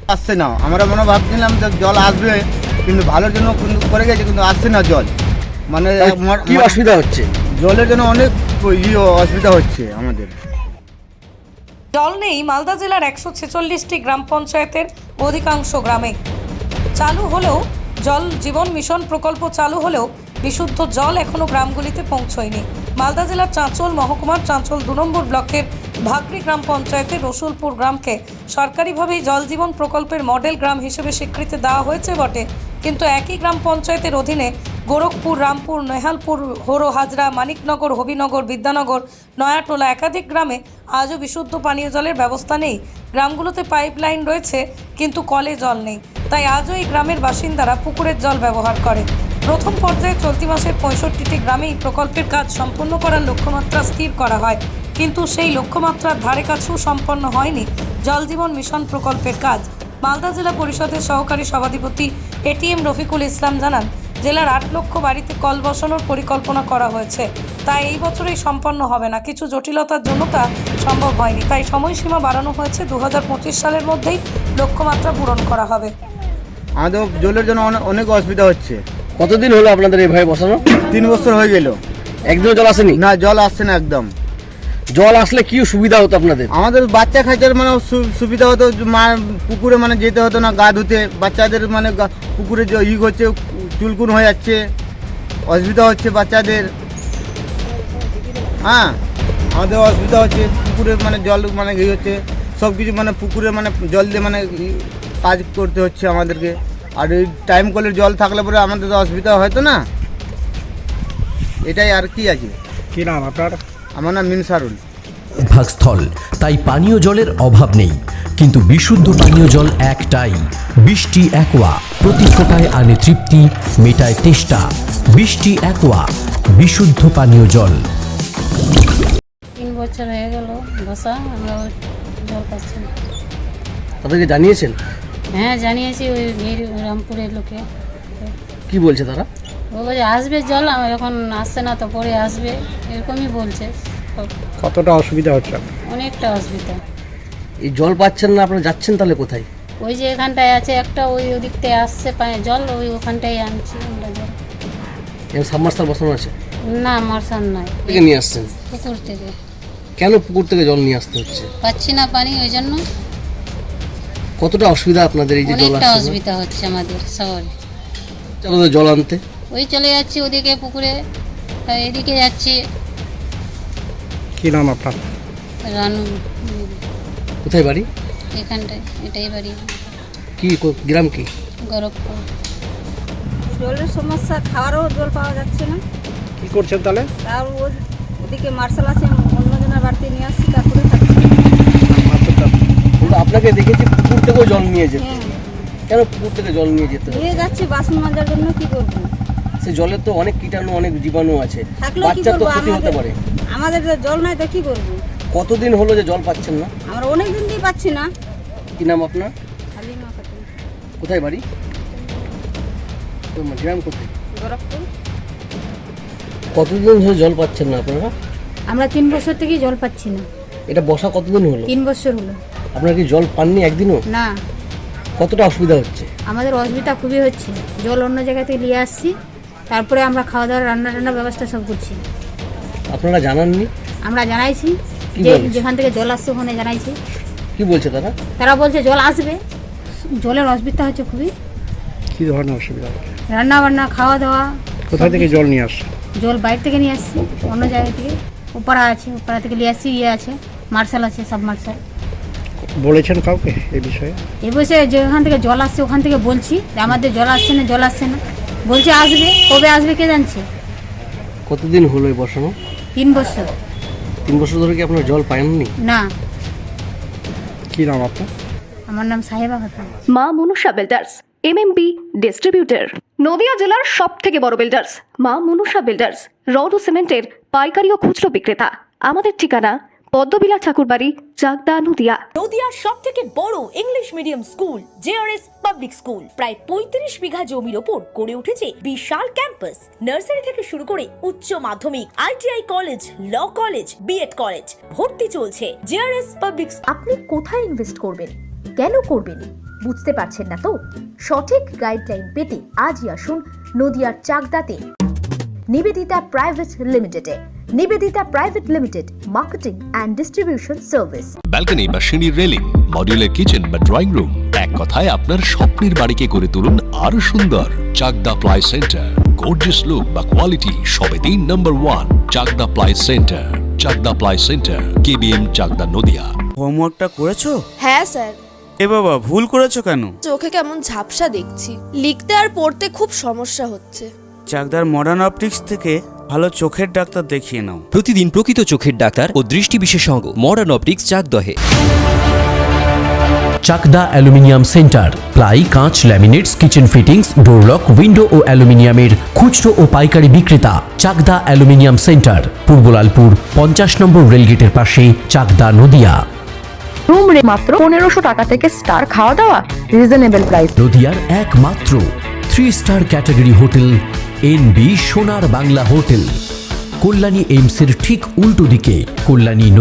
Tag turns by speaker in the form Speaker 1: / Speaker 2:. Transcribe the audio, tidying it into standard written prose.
Speaker 1: আসছে না, আমরা মনে ভাবছিলাম যে জল আসবে, কিন্তু ভালোর জন্য কিন্তু করে গেছে, কিন্তু আসছে না জল। মানে
Speaker 2: কি অসুবিধা হচ্ছে?
Speaker 1: জলের জন্য অনেক অসুবিধা হচ্ছে আমাদের।
Speaker 3: জল নেই মালদা জেলার 146টি গ্রাম পঞ্চায়েতের অধিকাংশ গ্রামে। চালু হলেও জল জীবন মিশন প্রকল্প চালু হলেও বিশুদ্ধ জল এখনো গ্রামগুলিতে পৌঁছয়নি। মালদা জেলার চাঁচল মহকুমার চাঁচল 2 নম্বর ব্লকের ভাগড়ি গ্রাম পঞ্চায়েতের রসুলপুর গ্রামকে সরকারিভাবেই জল জীবন প্রকল্পের মডেল গ্রাম হিসেবে স্বীকৃতি দেওয়া হয়েছে বটে, কিন্তু একই গ্রাম পঞ্চায়েতের অধীনে গোরখপুর, রামপুর, নেহালপুর, হোরো, হাজরা, মানিকনগর, হবিনগর, বিদ্যানগর, নয়াটোলা একাধিক গ্রামে আজও বিশুদ্ধ পানীয় জলের ব্যবস্থা নেই। গ্রামগুলোতে পাইপলাইন রয়েছে কিন্তু কলে জল নেই, তাই আজও এই গ্রামের বাসিন্দারা পুকুরের জল ব্যবহার করে। প্রথম পর্যায়ে চলতি মাসের 65টি গ্রামেই প্রকল্পের কাজ সম্পন্ন করার লক্ষ্যমাত্রা স্থির করা হয়, কিন্তু সেই লক্ষ্যমাত্রার ধারে কাছেও সম্পন্ন হয়নি জল জীবন মিশন প্রকল্পের কাজ। মালদা জেলা পরিষদের সহকারী সভাধিপতি এটিএম রফিকুল ইসলাম জানান, জেলার 8 লক্ষ বাড়িতে কল বসানোর পরিকল্পনা করা হয়েছে, তাই এই বছরেই সম্পন্ন হবে না। কিছু জটিলতার জন্য তা সম্ভব হয়নি, তাই সময়সীমা বাড়ানো হয়েছে। 2025 সালের মধ্যেই লক্ষ্যমাত্রা পূরণ করা হবে।
Speaker 1: আমাদের জলের জন্য অনেক অসুবিধা হচ্ছে।
Speaker 2: কতদিন হলো আপনাদের এইভাবে বসানো?
Speaker 1: 3 বছর হয়ে গেল,
Speaker 2: একদিনও জল আসেনি?
Speaker 1: না জল আসছে না একদম।
Speaker 2: জল আসলে কি সুবিধা হতো আপনাদের?
Speaker 1: আমাদের বাচ্চা খাইতে মানে সুবিধা হতো, পুকুরে মানে যেতে হতো না গা ধুতে, বাচ্চাদের মানে পুকুরে যে হচ্ছে চুলকুন হয়ে যাচ্ছে, অসুবিধা হচ্ছে বাচ্চাদের। হ্যাঁ, আমাদের অসুবিধা হচ্ছে পুকুরে মানে জল মানে হচ্ছে সব কিছু মানে পুকুরে মানে জল দিয়ে মানে কাজ করতে হচ্ছে আমাদেরকে। আর এই টাইম কলের জল থাকলে পরে আমাদের তো অসুবিধা হয়তো না, এটাই আর কি আছে।
Speaker 4: কি নাম আপনার?
Speaker 1: আমার নাম মিনসারুল।
Speaker 5: ভাগস্থল, তাই পানীয় জলের অভাব নেই, কিন্তু বিশুদ্ধ পানীয় জল একটাই, বৃষ্টি অ্যাকোয়া। প্রতি ফোঁটায় আনে তৃপ্তি, মেটায় তেষ্টা। বৃষ্টি অ্যাকোয়া, বিশুদ্ধ পানীয় জল।
Speaker 6: 3 বছর হয়ে গেল বসা, আমরা জল পাচ্ছি না।
Speaker 2: তাদেরকে জানিয়েছেন?
Speaker 6: হ্যাঁ জানিয়েছি, ওই রামপুরের লোকে।
Speaker 2: কি বলছে তারা?
Speaker 6: ও বলছে আসবে জল, আমার এখন আসছে না তো পরে আসবে, এরকমই বলছে।
Speaker 4: কতটা অসুবিধা হচ্ছে?
Speaker 6: অনেকটা অসুবিধা।
Speaker 2: এই জল পাচ্ছেন না, আপনারা যাচ্ছেন তাহলে কোথায়?
Speaker 6: ওই যে এখানটায় আছে একটা, ওই ওদিকটায় আসছে জল, ওই ওখানটায় আনছি আমরা জল।
Speaker 2: এখানে সাবমার্সাল বসানো আছে?
Speaker 6: না মার্শাল নাই,
Speaker 2: থেকে নিয়ে আসছেন?
Speaker 6: পুকুর থেকে।
Speaker 2: কেন পুকুর থেকে জল নিয়ে আসতে হচ্ছে?
Speaker 6: পাচ্ছি না পানি, ওই জন্য।
Speaker 2: কতটা অসুবিধা আপনাদের এই যে জল
Speaker 6: অনেকটা
Speaker 2: আসছে?
Speaker 6: অসুবিধা হচ্ছে আমাদের শহরে।
Speaker 2: আপনাদের জল আনতে
Speaker 6: ওই চলে যাচ্ছি ওদিকে পুকুরে, এদিকে যাচ্ছি।
Speaker 4: কি নাম আপনার?
Speaker 6: রানু।
Speaker 2: কোথায় বাড়ি?
Speaker 6: এখানটায়, এটাই বাড়ি।
Speaker 2: কি গ্রাম কি?
Speaker 6: গোরখপুর।
Speaker 7: জলের সমস্যা, খাওয়ারও জল পাওয়া যাচ্ছে না।
Speaker 4: কি করছেন তাহলে?
Speaker 7: তার ওদিকে মার্শাল আছে, অন্যজনের বাড়িতে নিয়ে আসছি, তারপরে খাচ্ছি।
Speaker 2: কিন্তু আপনাকে দেখেছি পুকুর থেকেও জল নিয়ে যেতে।
Speaker 7: হ্যাঁ
Speaker 2: কেন পুকুর থেকে জল নিয়ে যেতে?
Speaker 7: নিয়ে যাচ্ছি বাসন মাজার জন্য। কি করবো?
Speaker 2: সে জলের তো অনেক কীটাণু, অনেক জীবাণু আছে,
Speaker 7: থাকলেও কি
Speaker 2: বাচ্চার তো
Speaker 7: করবো?
Speaker 2: ক্ষতি হতে পারে।
Speaker 7: আমাদের তো জল নাই তো কি করবো?
Speaker 2: কতদিন হলো যে জল পাচ্ছেন না?
Speaker 7: আমরা অনেক দিন দিয়ে পাচ্ছি না।
Speaker 2: কি নাম আপনার?
Speaker 7: হালিমা খাতুন,
Speaker 2: কোথায় বাড়ি? গ্রাম কোথায়?
Speaker 7: গোরখপুর।
Speaker 2: কতদিন ধরে জল পাচ্ছেন না আপনারা?
Speaker 7: আমরা 3 বছর থেকে জল পাচ্ছি না।
Speaker 2: এটা বসা কতদিন হলো?
Speaker 7: 3 বছর হলো।
Speaker 2: আপনারা কি জল পাননি একদিনও?
Speaker 7: না,
Speaker 2: কতটা অসুবিধা হচ্ছে?
Speaker 7: আমাদের অসুবিধা খুবই হচ্ছে। জল অন্য জায়গা থেকে নিয়ে আসছি, তারপরে আমরা খাওয়া দাওয়া রান্না টান্না ব্যবস্থা সব করছি।
Speaker 2: আপনারা জানাননি?
Speaker 7: আমরা জানাইছি,
Speaker 2: কি
Speaker 7: যে
Speaker 2: বলছে?
Speaker 7: যেখান থেকে জল আসছে ওখানে জানাইছি।
Speaker 2: কি বলছে তারা?
Speaker 7: তারা বলছে জল আসবে, জলের অসুবিধা হচ্ছে খুবই।
Speaker 4: কি ধরনের অসুবিধা হচ্ছে?
Speaker 7: রান্না বান্না, খাওয়া দাওয়া।
Speaker 4: কোথা থেকে জল নিয়ে আসছে?
Speaker 7: জল বাইরে থেকে নিয়ে আসছি, অন্য জায়গা থেকে। ওপারা আছে, ওপারা থেকে নিয়ে আসছি। আছে মার্শাল আছে, সব মার্শাল।
Speaker 4: বলেছেন কাউকে এই বিষয়ে?
Speaker 7: এই বসে যেখান থেকে জল আসছে ওখান থেকে বলছি যে আমাদের জল আসছে না, জল আসছে না। বলছে আসবে, কবে আসবে কে জানছে।
Speaker 2: কতদিন হলো এই বসানো?
Speaker 7: 3 বছর।
Speaker 2: 3 বছর ধরে কি আপনারা জল পাননি?
Speaker 7: না।
Speaker 4: কি নাম আপনার?
Speaker 7: আমার নাম Saheba Khatun.
Speaker 8: Maa Manusha builders, MMB distributor, Nadia জেলার সব থেকে বড় বিল্ডার্স। মা মনুষা বিল্ডার্স, রড ও সিমেন্টের পাইকারি ও খুচরো বিক্রেতা। আমাদের ঠিকানা পদ্মবিলা ঠাকুরবাড়ি, চাকদা, নদিয়া।
Speaker 9: নদিয়ার সব থেকে বড় English medium school JRS public school প্রায় 35 বিঘা জমির ওপর গড়ে উঠেছে বিশাল ক্যাম্পাস। নার্সারি থেকে শুরু করে উচ্চ মাধ্যমিক, ITI college, law college, BEd college, ভর্তি চলছে জেআরএস পাবলিক।
Speaker 10: আপনি কোথায় ইনভেস্ট করবেন, কেন করবেন,
Speaker 9: বুঝতে পারছেন না তো? সঠিক গাইডলাইন পেতে আজই আসুন নদিয়ার চাকদাতে নিবেদিতা প্রাইভেট লিমিটেডে। Nivedita private limited, marketing and distribution service.
Speaker 10: Balcony বা সিঁড়ির রেলিং, মডিউলার কিচেন বা ড্রয়িং রুম, এক কথায় আপনার স্বপ্নের বাড়িকে করে তুলুন আরো সুন্দর। Chakda ply centre, gorgeous look বা কোয়ালিটি সবে 3 number 1 Chakda ply centre. Chakda ply centre, KBM, Chakda, Nadia.
Speaker 11: হোমওয়ার্কটা করেছো?
Speaker 12: হ্যাঁ স্যার।
Speaker 11: এ বাবা, ভুল করেছো কেন?
Speaker 12: চোখে কেমন ঝাপসা দেখছি, লিখতে আর পড়তে খুব সমস্যা হচ্ছে।
Speaker 11: চাকদার মডার্ন অপটিক্স থেকে ভালো চোখের ডাক্তার দেখিয়ে নাও।
Speaker 5: প্রতিদিন প্রকৃত চোখের ডাক্তার ও দৃষ্টি বিশেষজ্ঞ মডার্ন অপটিক্স, চাকদহে। চাকদা অ্যালুমিনিয়াম সেন্টার, প্লাই, কাঁচ, laminates, kitchen fittings, door lock, window ও অ্যালুমিনিয়ামের খুচরো ও পাইকারি বিক্রেতা। Chakda aluminium centre, Purbalalpur 50 number রেলগেটের পাশে, চাকদা, নদিয়া।
Speaker 8: রুম রে মাত্র 1500 টাকা থেকে স্টার, খাওয়া দাওয়া রিজনেবল প্রাইস।
Speaker 5: নদিয়ার একমাত্র 3 স্টার ক্যাটাগরি হোটেল এনবি সোনার বাংলা হোটেল, কল্যাণী এইমসের ঠিক উল্টো দিকে, কল্যাণী।